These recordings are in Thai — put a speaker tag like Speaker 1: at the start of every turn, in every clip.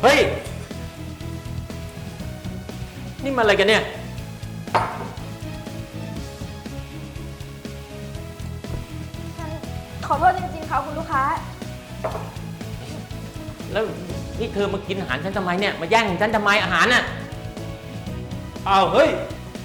Speaker 1: เฮ้ยนี่มันอะไรกันเนี่ย
Speaker 2: ฉันขอโทษจริงๆค่ะคุณลูกค้า
Speaker 1: แล้วนี่เธอมากินอาหารฉันทำไมเนี่ยมาแย่งฉันทำไมอาหารน่ะ
Speaker 3: อ้าวเฮ้ย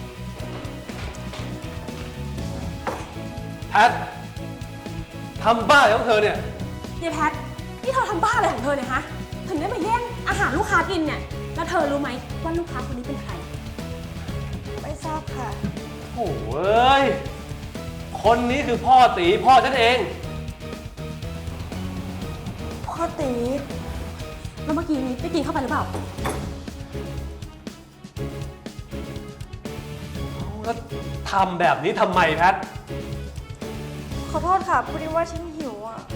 Speaker 3: แพททำบ้าของเธอเนี่ย
Speaker 2: ยายแพทนี่เธอทำบ้าอะไรของเธอเนี่ยฮะถึงได้มาแย่งอาหารลูกค้ากินเนี่ยแล้วเธอรู้ไหมว่าลูกค้าคนนี้เป็นใครไม่ทราบค่ะ
Speaker 3: โอ้ยคนนี้คือพ่อตีพ่อฉันเอง
Speaker 2: พ่อตีแล้วเมื่อกี้นี้ได้กินเข้าไปหรือเปล่า
Speaker 3: แล้วทำแบบนี้ทำไมแพท
Speaker 2: ขอโทษค่ะพอดีว่าฉันหิวอ่ะ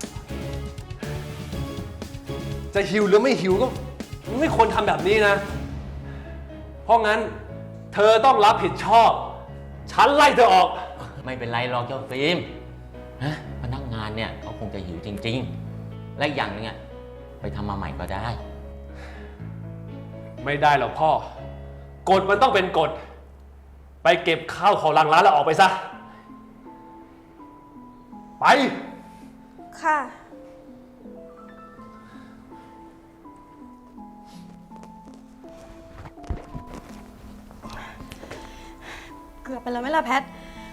Speaker 3: จะหิวหรือไม่หิวก็ไม่ควรทำแบบนี้นะเพราะงั้นเธอต้องรับผิดชอบฉันไล่เธอออก
Speaker 1: ไม่เป็นไรหรอกเจ้าฟิล์มนะพนักงานเนี่ยเขาคงจะหิวจริงๆและอย่างนึงอ่ะไปทำมาใหม่ก็ได้
Speaker 3: ไม่ได้หรอกพ่อกฎมันต้องเป็นกฎไปเก็บข้าวของหลังร้านแล้วออกไปซะไป
Speaker 2: ค่ะเกือบไปแล้วไหมล่ะแพท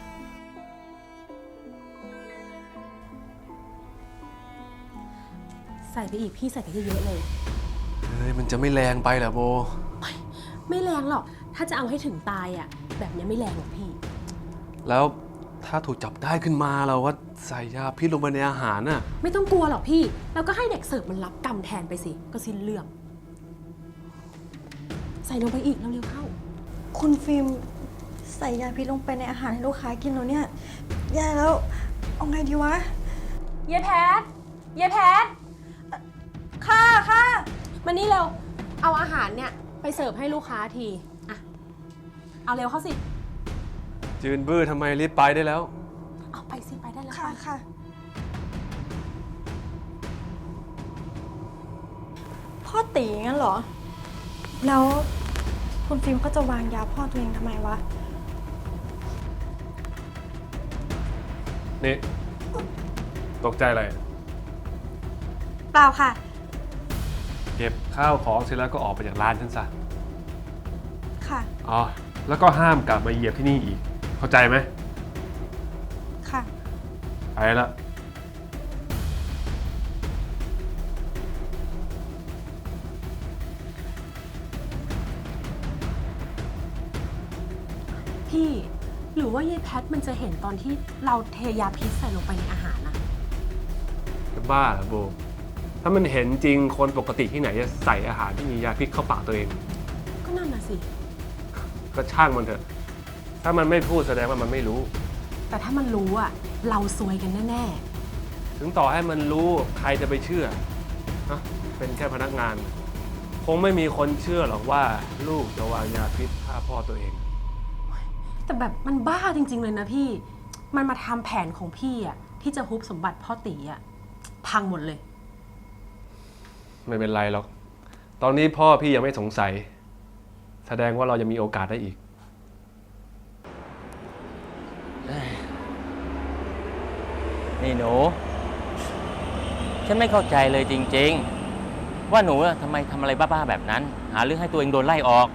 Speaker 2: ใส่ไปอีกพี่ใส่ไปเยอะๆเลย
Speaker 3: เฮ้ยมันจะไม่แรงไปเหรอโบ
Speaker 2: ไม่แรงหรอกถ้าจะเอาให้ถึงตายอ่ะแบบนี้ไม่แรงหรอกพี่
Speaker 3: แล้วถ้าถูกจับได้ขึ้นมาเราว่าใส่ยาพิษลงไปในอาหารน่ะ
Speaker 2: ไม่ต้องกลัวหรอกพี่แล้วก็ให้เด็กเสิร์ฟมันรับกรรมแทนไปสิก็สิ้นเรื่องใส่ลงไปอีกเร็วๆเข้า
Speaker 4: คุณฟิล์มใส่ยาพิษลงไปในอาหารให้ลูกค้ากินแล้วเนี่ยแย่แล้วเอาไงดีวะ
Speaker 2: เยแพทเยแพทค่ะมานี่เร็วเอาอาหารเนี่ยไปเสิร์ฟให้ลูกค้าทีอะเอาเร็วเข้าสิ
Speaker 3: จืนบื้อทำไมรีบไปได้แล้ว
Speaker 2: เอาไปสิไปได้แล้ว
Speaker 4: ค่ะพ่อตีงั้นเหรอแล้วคุณฟิล์มก็จะวางยาพ่อตัวเองทำไมวะ
Speaker 3: นี่ตกใจอะไร
Speaker 4: เปล่าค่ะ
Speaker 3: เก็บข้าวของเสร็จแล้วก็ออกไปจากร้านฉันซะ
Speaker 4: ค่ะ
Speaker 3: อ๋อแล้วก็ห้ามกลับมาเหยียบที่นี่อีกเข้าใจไหม
Speaker 4: ค่ะ
Speaker 3: ไปละ
Speaker 2: พี่หรือว่ายายแพทมันจะเห็นตอนที่เราเทยาพิษใส่ลงไปในอาหารนะ
Speaker 3: จะบ้าเหรอโบถ้ามันเห็นจริงคนปกติที่ไหนจะใส่อาหารที่มียาพิษเข้าปากตัวเอง
Speaker 2: ก็นั่นน่ะสิ
Speaker 3: ก็ช่างมันเถอะถ้ามันไม่พูดแสดงว่ามันไม่รู้
Speaker 2: แต่ถ้ามันรู้อ่ะเราซวยกันแน่
Speaker 3: ๆถึงต่อให้มันรู้ใครจะไปเชื่อนะเป็นแค่พนักงานคงไม่มีคนเชื่อหรอกว่าลูกจะวางยาพิษฆ่าพ่อตัวเอง
Speaker 2: แต่แบบมันบ้าจริงๆเลยนะพี่มันมาทำแผนของพี่อ่ะที่จะฮุบสมบัติพ่อตีอ่ะพังหมดเลย
Speaker 3: ไม่เป็นไรหรอกตอนนี้พ่อพี่ยังไม่สงสัยแสดงว่าเรายังมีโอกาสได้อีก
Speaker 1: นี่หนูฉันไม่เข้าใจเลยจริงๆว่าหนูทำไมทำอะไรบ้าๆแบบนั้นหาเรื่องให้ตัวเองโดนไล่ออก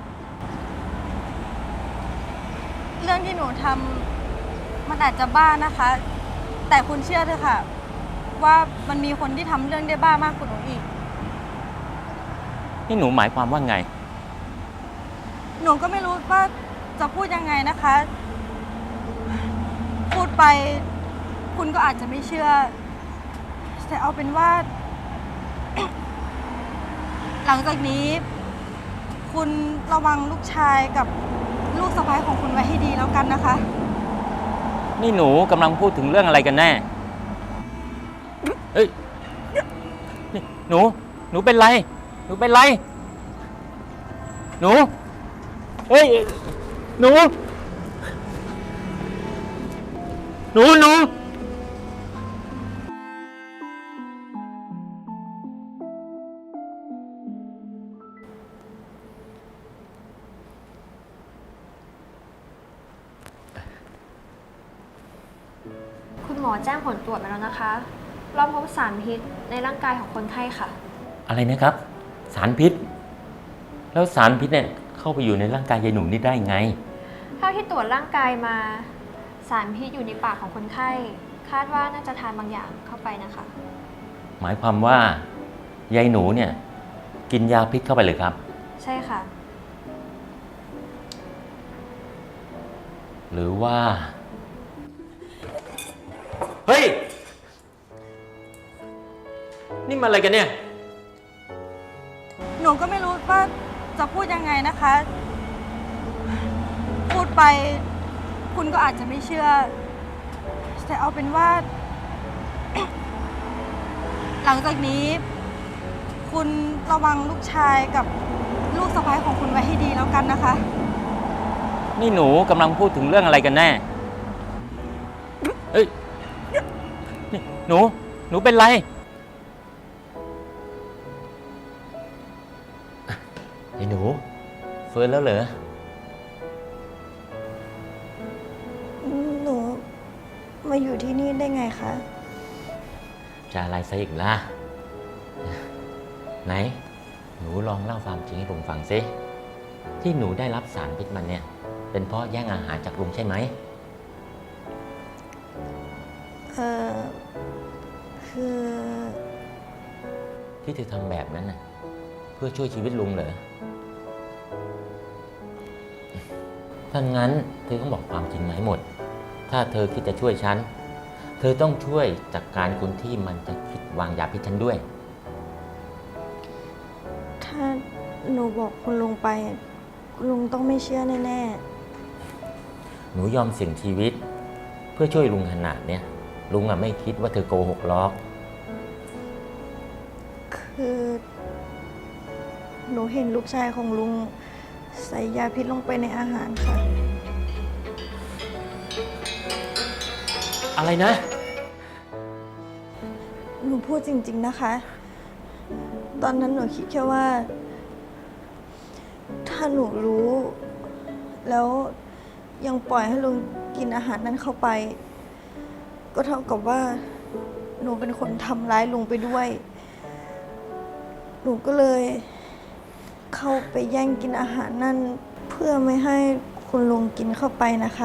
Speaker 4: เรื่องที่หนูทำมันอาจจะบ้านะคะแต่คุณเชื่อเถอะค่ะว่ามันมีคนที่ทำเรื่องได้บ้ามากกว่าหนูอีก
Speaker 1: นี่หนูหมายความว่าไง
Speaker 4: หนูก็ไม่รู้ว่าจะพูดยังไงนะคะพูดไปคุณก็อาจจะไม่เชื่อแต่เอาเป็นว่า หลังจากนี้คุณระวังลูกชายกับลูกสะใภ้ของคุณไว้ให้ดีแล้วกันนะคะ
Speaker 1: นี่หนูกำลังพูดถึงเรื่องอะไรกันแน่เฮ้ยนี่หนูเป็นไรหนูเป็นไรหนูเฮ้ยหนู
Speaker 5: มอแจ้งผลตรวจมาแล้วนะคะ เราพบสารพิษในร่างกายของคนไข้ค่ะ
Speaker 1: อะไรนะครับ สารพิษ แล้วสารพิษเนี่ยเข้าไปอยู่ในร่างกายยายหนูนี่ได้ไง
Speaker 5: เท่าที่ตรวจร่างกายมา สารพิษอยู่ในปากของคนไข้ คาดว่าน่าจะทานบางอย่างเข้าไปนะคะ
Speaker 1: หมายความว่ายายหนูเนี่ยกินยาพิษเข้าไปเลยครับ
Speaker 5: ใช่ค่ะ
Speaker 1: หรือว่า เฮ้ย นี่มันอะไรกันเนี่ย
Speaker 4: หนูก็ไม่รู้ว่าจะพูดยังไงนะคะ พูดไป คุณก็อาจจะไม่เชื่อ แต่เอาเป็นว่า หลังจากนี้ คุณระวังลูกชายกับลูกสะใภ้ของคุณไว้ให้ดีแล้วกันนะคะ
Speaker 1: นี่หนูกำลังพูดถึงเรื่องอะไรกันแน่ เอ้ย นี่หนูเป็นไรไอ้หนูเฟิร์นแล้วเหรอ
Speaker 4: หนูมาอยู่ที่นี่ได้ไงคะ
Speaker 1: จะอะไรซะอีกล่ะ ไหน หนูลองเล่าความจริงให้ผมฟังซิ ที่หนูได้รับสารพิษมันเนี่ย เป็นเพราะแย่งอาหารจากลุงใช่ไหม
Speaker 4: คือ
Speaker 1: ที่เธอทำแบบนั้นน่ะเพื่อช่วยชีวิตลุงเหรอ ถ้างั้นเธอต้องบอกความจริงมาให้หมด ถ้าเธอคิดจะช่วยฉัน เธอต้องช่วยจัดการคนที่มันจะคิดวางยาพิษฉันด้วย
Speaker 4: ถ้าหนูบอกคุณลุงไป คุณลุงต้องไม่เชื่อแน่
Speaker 1: หนูยอมเสี่ยงชีวิต เพื่อช่วยลุงขนาดเนี้ยลุงอะไม่คิดว่าเธอโกหกหรอก
Speaker 4: ๆ คือ หนูเห็นลูกชายของลุงใส่ยาพิษลงไปในอาหารค่ะ
Speaker 1: อะไรนะ
Speaker 4: หนูพูดจริง ๆนะคะ ตอนนั้นหนูคิดแค่ว่า ถ้าหนูรู้ แล้วยังปล่อยให้ลุงกินอาหารนั้นเข้าไป ก็เท่ากับว่า หนูเป็นคนทำร้ายลุงไปด้วย หนูก็เลย เข้าไปแย่งกินอาหารนั่น เพื่อไม่ให้คุณลุงกินเข้าไปนะคะ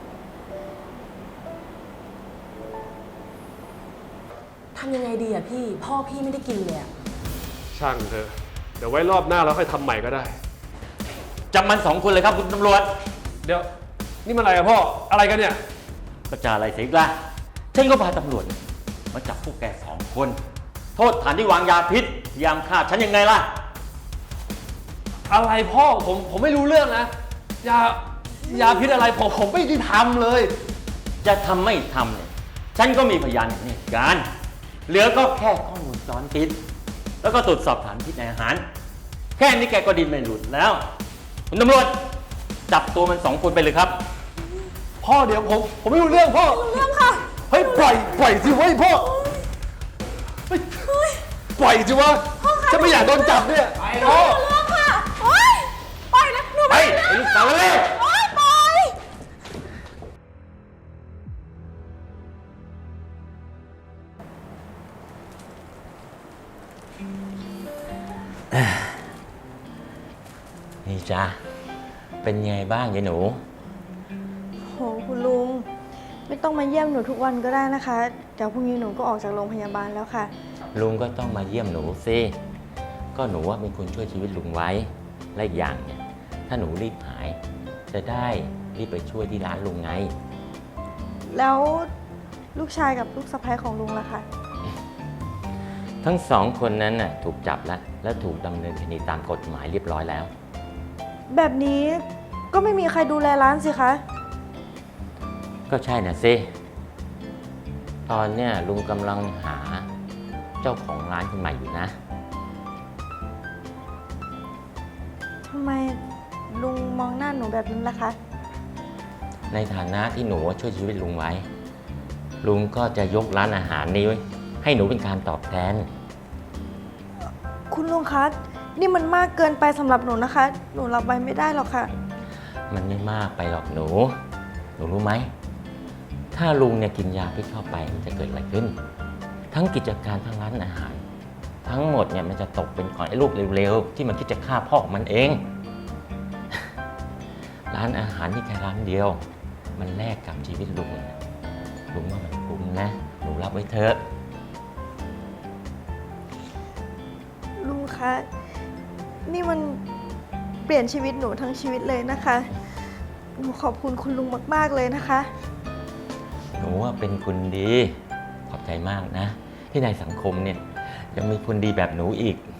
Speaker 2: ทำยังไงดีอะพี่ พ่อพี่ไม่ได้กินเลยอะ
Speaker 3: ช่างเถอะ เดี๋ยวไว้รอบหน้าเราค่อยทำใหม่ก็ได้
Speaker 1: จับมัน2 คนเลยครับคุณตำรวจ
Speaker 3: เดี๋ยว นี่มันอะไรอะพ่อ อะไรกันเนี่ย
Speaker 1: ก็จะอะไรเสียอีกล่ะฉันก็พาตำรวจมาจับพวกแก2 คน โทษฐานที่วางยาพิษพยายามฆ่าฉันยังไงล่ะ
Speaker 3: อะไรพ่อ ผมไม่รู้เรื่องนะ ยาพิษอะไรผมไม่ได้ทำเลย
Speaker 1: จะทำไม่ทำเนี่ยฉันก็มีพยานเห็นเหตุการณ์เหลือก็แค่ข้อมูลซ้อนพิษแล้วก็ตรวจสอบสารพิษในอาหาร แค่นี้แกก็ดินไม่หลุดแล้ว คุณตำรวจจับตัวมัน2 คนไปเลยครับ
Speaker 3: พ่อเดี๋ยวผมไม่รู้เรื่องพ่อ
Speaker 2: เรื่องค่ะ
Speaker 3: เฮ้ยปล่อยสิเว้ยพ่อเฮ้ยปล่อยสิวะฉันไม่อยากโดนจับเนี่ยพ่อ
Speaker 2: เรื่องค่ะ โอ๊ย ปล่อยนะ หนู
Speaker 1: ไป
Speaker 2: ไม่
Speaker 1: ไอ้ลูกสาวเลย
Speaker 2: โอ๊ย ปล่อย
Speaker 1: นี่จ้าเป็นไงบ้างยายหนู
Speaker 4: โหคุณลุง ไม่ต้องมาเยี่ยมหนูทุกวันก็ได้นะคะ เดี๋ยวพรุ่งนี้หนูก็ออกจากโรงพยาบาลแล้วค่ะ
Speaker 1: ลุงก็ต้องมาเยี่ยมหนูสิก็หนูว่าเป็นคนช่วยชีวิตลุงไว้และอีกอย่างเนี่ยถ้าหนูรีบหาย จะได้รีบไปช่วยที่ร้านลุงไง
Speaker 4: แล้วลูกชายกับลูกสะใภ้ของลุงล่ะคะ
Speaker 1: ทั้ง2 คนนั้นน่ะถูกจับแล้วและถูกดำเนินคดีตามกฎหมายเรียบร้อยแล้ว
Speaker 4: แบบนี้ก็ไม่มีใครดูแลร้านสิคะ
Speaker 1: ก็ใช่น่ะสิ ตอนเนี้ยลุงกำลังหาเจ้าของร้านคนใหม่อยู่นะ
Speaker 4: ทำไมลุงมองหน้าหนูแบบนั้นล่ะคะ
Speaker 1: ในฐานะที่หนูช่วยชีวิตลุงไว้ ลุงก็จะยกร้านอาหารนี้ไว้ให้หนูเป็นการตอบแทน
Speaker 4: คุณลุงคะ นี่มันมากเกินไปสำหรับหนูนะคะ หนูรับไว้ไม่ได้หรอกค่ะ
Speaker 1: มันไม่มากไปหรอกหนู หนูรู้ไหม ถถ้าลุงเนี่ยกินยาพิษเข้าไปมันจะเกิดอะไรขึ้น ทั้งกิจการทั้งร้านอาหาร ทั้งหมดเนี่ยมันจะตกเป็นของไอ้ลูกเร็วๆที่มันคิดจะฆ่าพ่อของมันเอง ร้านอาหารที่แค่ร้านเดียว มันแลกกับชีวิตลุงเนี่ยลุงว่ามันคุ้มนะหนูรับไว้เถอะ
Speaker 4: ลุงคะ นี่มันเปลี่ยนชีวิตหนูทั้งชีวิตเลยนะคะ หนูขอบคุณคุณลุงมากๆเลยนะคะ
Speaker 1: หนูว่าเป็นคนดี ขอบใจมากนะ ที่ในสังคมเนี่ยยังมีคนดีแบบหนูอีก